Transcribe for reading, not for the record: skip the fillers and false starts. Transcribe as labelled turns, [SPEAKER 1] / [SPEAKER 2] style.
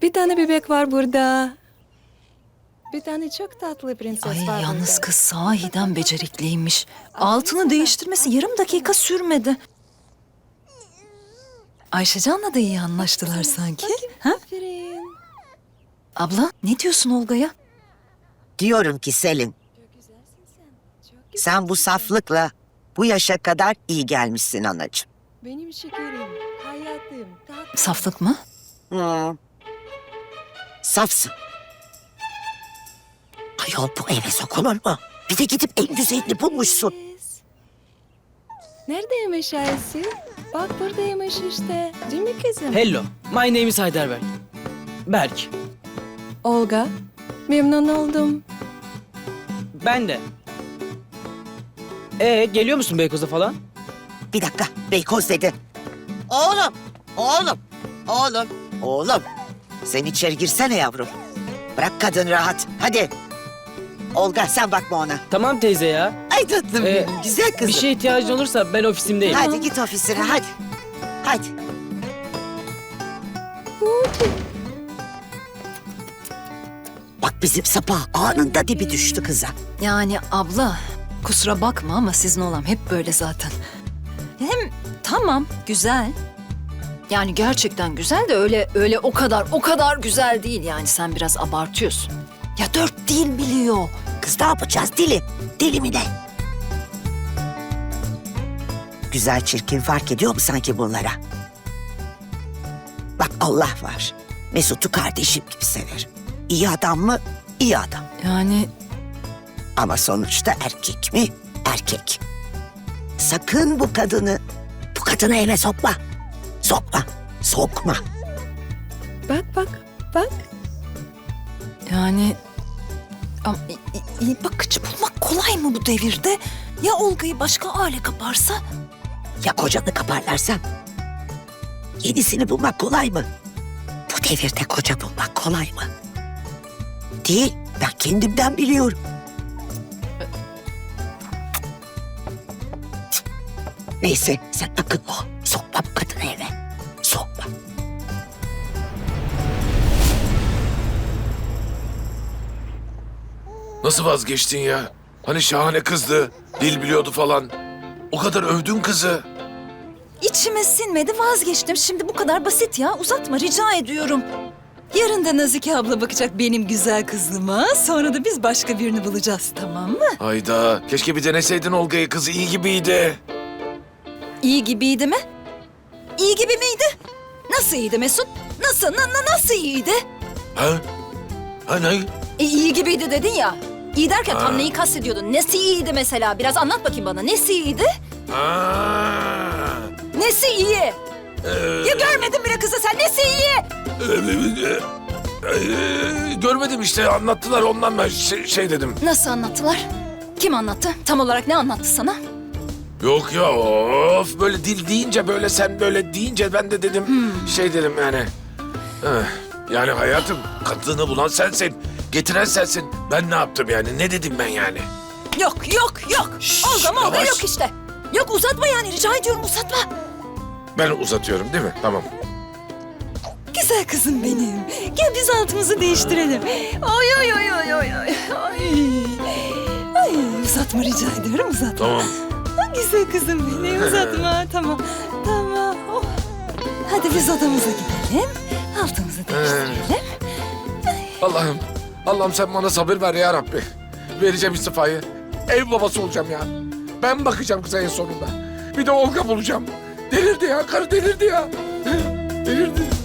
[SPEAKER 1] Bir tane bebek var burada. Bir tane çok tatlı prenses
[SPEAKER 2] Ay
[SPEAKER 1] var
[SPEAKER 2] yalnız
[SPEAKER 1] burada.
[SPEAKER 2] kız sahiden becerikliymiş. Altını değiştirmesi yarım dakika sürmedi. Ayşecan'la da iyi anlaştılar sanki. Ha?
[SPEAKER 1] Aferin.
[SPEAKER 2] Abla ne diyorsun Olga'ya?
[SPEAKER 3] Diyorum ki Selin,
[SPEAKER 1] Çok güzelsin sen. Çok güzel.
[SPEAKER 3] sen bu saflıkla bu yaşa kadar iyi gelmişsin anacığım.
[SPEAKER 1] Benim şekerim, hayatım, tatlım.
[SPEAKER 2] Saflık mı?
[SPEAKER 3] Safsın. Ayol bu eve sokulur mu? Bir de gidip en güzelini bulmuşsun.
[SPEAKER 1] Prenses. Neredeymiş Ayşe? Bak buradaymış işte. Değil mi kızım?
[SPEAKER 4] Hello, my name is Heidelberg. Berk.
[SPEAKER 1] Olga, memnun oldum.
[SPEAKER 4] Ben de. Geliyor musun Beykoz'a falan?
[SPEAKER 3] Bir dakika, Beykoz dedi. Oğlum. Sen içeri girsene yavrum. Bırak kadın rahat, hadi. Olga sen bakma ona.
[SPEAKER 4] Tamam teyze ya.
[SPEAKER 3] Ay tatlım benim, güzel kızım.
[SPEAKER 4] Bir şeye ihtiyacın olursa ben ofisimdeyim.
[SPEAKER 3] Hadi git ofisine, hadi. Hadi. Bak bizim Sapa anında dibi düştü kıza.
[SPEAKER 2] Yani abla kusura bakma ama sizin oğlan hep böyle zaten. Hem tamam güzel. Yani gerçekten güzel de öyle o kadar güzel değil yani sen biraz abartıyorsun. Ya 4 dil biliyor.
[SPEAKER 3] Kız ne yapacağız dili? Dili mi ne? Güzel çirkin fark ediyor mu sanki bunlara? Bak Allah var. Mesut'u kardeşim gibi severim. İyi adam mı? İyi adam.
[SPEAKER 2] Yani
[SPEAKER 3] Ama sonuçta erkek mi? Erkek. Sakın bu kadını eve sokma. Sokma.
[SPEAKER 1] Bak.
[SPEAKER 2] yani ama iyi bakıcı bulmak kolay mı bu devirde? Ya Olga'yı başka aile kaparsa?
[SPEAKER 3] Ya kocanı kaparlarsa? Yenisini bulmak kolay mı? Bu devirde koca bulmak kolay mı? Değil. Ben kendimden biliyorum. Neyse sen akıllı ol. Sokma bu kadını eve. Sokma.
[SPEAKER 5] Nasıl vazgeçtin ya? Hani şahane kızdı, dil biliyordu falan. O kadar övdün kızı.
[SPEAKER 2] İçime sinmedi vazgeçtim. Şimdi bu kadar basit ya. Uzatma rica ediyorum. Yarın da Nazike abla bakacak benim güzel kızıma. Sonra da biz başka birini bulacağız tamam mı?
[SPEAKER 5] Hayda, keşke bir deneseydin Olga'yı, kızı iyi gibiydi.
[SPEAKER 2] İyi gibiydi mi? İyi gibi miydi? Nasıl iyiydi Mesut? Nasıl iyiydi?
[SPEAKER 5] Ha? Ha ne?
[SPEAKER 2] İyi gibiydi dedin ya. İyi derken tam neyi kastediyordun? Nesi iyiydi mesela? Biraz anlat bakayım bana. Nesi iyiydi?
[SPEAKER 5] Ha.
[SPEAKER 2] Nesi iyi? Ya görmedin bile kızı sen. Nesi iyi?
[SPEAKER 5] Görmedim işte, anlattılar ondan ben şey dedim.
[SPEAKER 2] Nasıl anlattılar? Kim anlattı? Tam olarak ne anlattı sana?
[SPEAKER 5] Yok ya, of böyle dil deyince, böyle sen böyle deyince ben de dedim şey dedim yani. Yani hayatım, kadını bulan sensin, getiren sensin. Ben ne yaptım yani, ne dedim ben yani?
[SPEAKER 2] Yok. Olga
[SPEAKER 5] yavaş.
[SPEAKER 2] yok işte. Yok uzatma yani rica ediyorum uzatma.
[SPEAKER 5] Ben uzatıyorum değil mi? Tamam.
[SPEAKER 2] Güzel kızım benim. Gel biz altımızı değiştirelim. Ay. Ay uzatma rica ediyorum uzatma.
[SPEAKER 5] Tamam.
[SPEAKER 2] Güzel kızım benim uzatma tamam. Oh. Hadi biz odamıza gidelim. Altımızı değiştirelim.
[SPEAKER 5] Allah'ım sen bana sabır ver ya Rabbi. Vereceğim istifayı. Ev babası olacağım ya. Ben bakacağım kıza en sonunda. Bir de Olga bulacağım. Delirdi ya, karı delirdi ya. Delirdi.